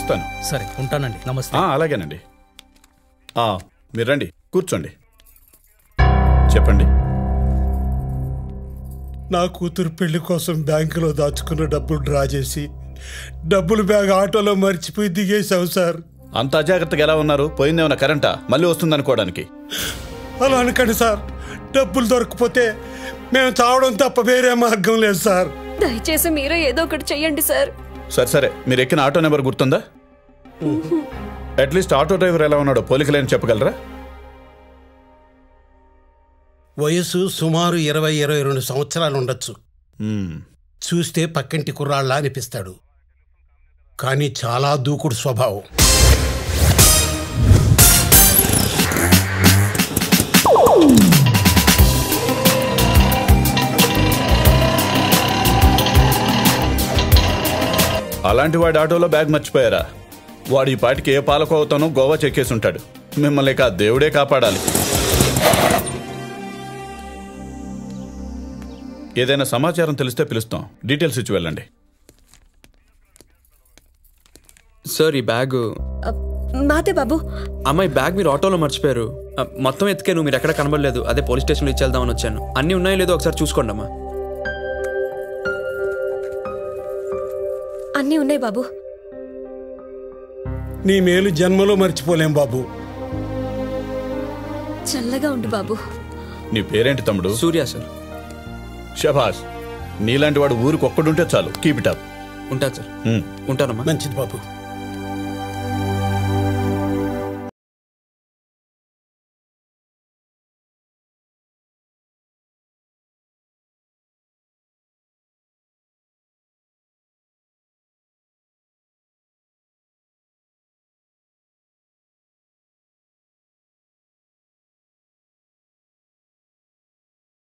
వస్తాను. సరే ఉంటానండి. నమస్తే. అలాగేనండి. మీరు రండి, కూర్చోండి. చెప్పండి. నా కూతురు పెళ్లి కోసం బ్యాంకులో దాచుకున్న డబ్బులు డ్రా చేసి డబ్బులు బ్యాగ్ ఆటోలో మర్చిపోయి దిగేశావు సార్. అంత అజాగ్రత్తగా ఎలా ఉన్నారు? పోయిందేమన్నా కరెంటా? మళ్ళీ వస్తుంది అనుకోవడానికి. అలా అనకండి సార్. డబ్బులు దొరకపోతే మేము చావడం తప్ప వేరే మార్గం లేదు సార్. దయచేసి మీరే ఏదో ఒకటి చెయ్యండి సార్. సరే, మీరు ఎక్కిన ఆటో నెంబర్ గుర్తుందా? అట్లీస్ట్ ఆటో డ్రైవర్ ఎలా ఉన్నాడో పోలికలేని చెప్పగలరా? వయసు సుమారు 20-22 సంవత్సరాలు ఉండొచ్చు. చూస్తే పక్కింటి కుర్రాళ్ళ అనిపిస్తాడు, కానీ చాలా దూకుడు స్వభావం. అలాంటి వాడి ఆటోలో బ్యాగ్ మర్చిపోయారా? వాడు ఈ పాటికి ఏ పాలకోవతోనో గోవా చెక్కేసి ఉంటాడు. మిమ్మల్ని దేవుడే కాపాడాలి. ఏదైనా సమాచారం తెలిస్తే పిలుస్తాం. డీటెయిల్స్ ఇచ్చి వెళ్ళండి. సార్, ఈ బ్యాగ్ మాదే బాబు. అమ్మాయి బ్యాగ్ మీరు ఆటోలో మర్చిపోయారు. మొత్తం ఎత్తుకేను, మీరు ఎక్కడ కనబడలేదు. అదే పోలీస్ స్టేషన్లో ఇచ్చేద్దామని వచ్చాను. అన్నీ ఉన్నాయో లేదో ఒకసారి చూసుకోండి అమ్మా. అన్నీ ఉన్నాయి బాబు. నీ మేలు జన్మలో మర్చిపోలేం బాబు. చల్లగా ఉండు బాబు. నీ పేరేంటి తమ్ముడు? సూర్య సార్. షబాష్, నీలాంటి వాడు ఊరికి ఒక్కడుంటే చాలు. Keep it up. ఉంటాను సార్. ఉంటానమ్మా. మంచిది బాబు.